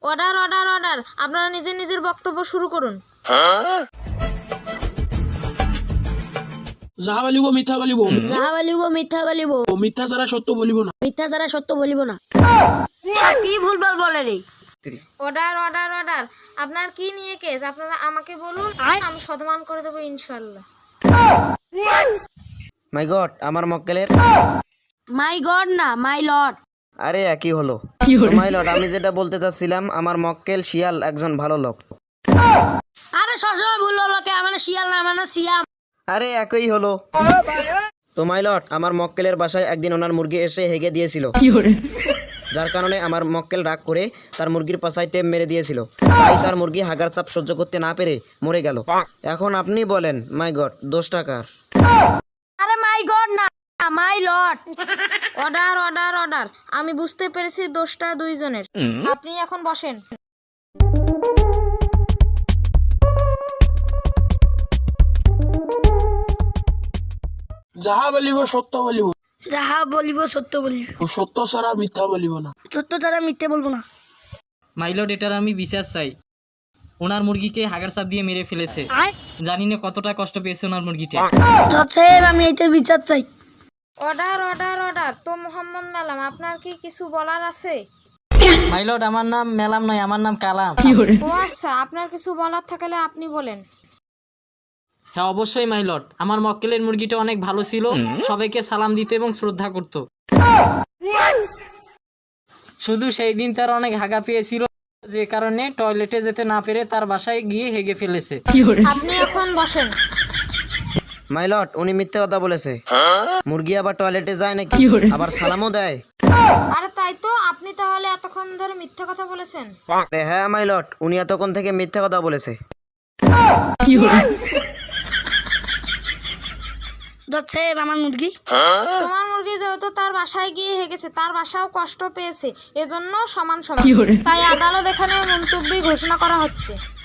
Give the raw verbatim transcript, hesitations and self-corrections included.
Order order order আপনারা নিজের নিজের বক্তব্য শুরু করুন। যাহা বলিব মিথ্যা বলিব, যাহা বলিব মিথ্যা বলিব, ও মিথ্যা ছাড়া সত্য বলিব না। মিথ্যা ছাড়া সত্য বলিব না। কি ভুলভাল বলে রে? অর্ডার অর্ডার অর্ডার আপনার কি নিয়ে কেস আপনারা আমাকে বলুন, আমি সমাধান করে দেবো ইনশাআল্লাহ। মাই গড, আমার মক্কেলের মাই গড না মাই লর্ড। আরে একই হলো। মাই লর্ড, আমি যেটা বলতে চাচ্ছিলাম, আমার মক্কেল শিয়াল একজন ভালো লোক। আরে সবসময় ভুল হলো কে? মানে শিয়াল না মানে সিয়াম। আরে একই হলো। তো মাই লর্ড, আমার মক্কেলের বাসায় একদিন ওনার মুরগি এসে হেগে দিয়েছিল, যার কারণে আমার মক্কেল রাগ করে তার মুরগির পাছায় টেপ মেরে দিয়েছিল। তাই তার মুরগি হাগার চাপ সহ্য করতে না পেরে মরে গেল। এখন আপনি বলেন মাই গড, দোষটা কার? আরে মাই গড না my lord. Order order order আমি বুঝতে পেরেছি দোষটা দুইজনের। আপনি এখন বসেন। যাহা বলিব সত্য বলিব, যাহা বলিব সত্য বলিব, ও সত্য ছাড়া মিথ্যা বলিব না। সত্য ছাড়া মিথ্যে বলবো না। মাইলট, এটার আমি বিচার চাই। ওনার মুরগিকে হাগার চাপ দিয়ে মেরে ফেলেছে। জানি না কতটা কষ্ট পেয়েছে ওনার মুরগিটা। জজ সাহেব, আমি এইটা বিচার চাই। অর্ডার অর্ডার অর্ডার তো মোহাম্মদ ম্যাডাম আপনার কি কিছু বলার আছে? মাইলট, আমার নাম মেলাম নয়, আমার নাম কালাম। ও আচ্ছা, আপনার কিছু বলার থাকলে আপনি বলেন। হ্যাঁ অবশ্যই মাইলট, আমার মক্কেলের মুরগিটা অনেক ভালো ছিল, সবাইকে সালাম দিত এবং শ্রদ্ধা করত। শুধু সেই দিন তার অনেক হাগা পেয়েছিল, যে কারণে টয়লেটে যেতে না পেরে তার বাসায় গিয়ে হেগে ফেলেছে। আপনি এখন বসেন। মাই লর্ড, উনি মিথ্যে কথা বলেছে। মুরগি আবার টয়লেটে যায় নাকি? আবার সালামও দেয়। আরে তাই তো, আপনি তাহলে এতক্ষণ ধরে মিথ্যা কথা বলেছেন। আরে হ্যাঁ মাই লর্ড, উনি এতক্ষণ থেকে মিথ্যে কথা বলেছে। জজ সাহেব, আমার মুরগি তোমার মুরগি যেহেতু তার বাসায় গিয়ে হেগেছে, তার বাসাও কষ্ট পেয়েছে, এজন্য সমান সমান। তাই আদালত এখানে মন্তব্য ঘোষণা করা হচ্ছে।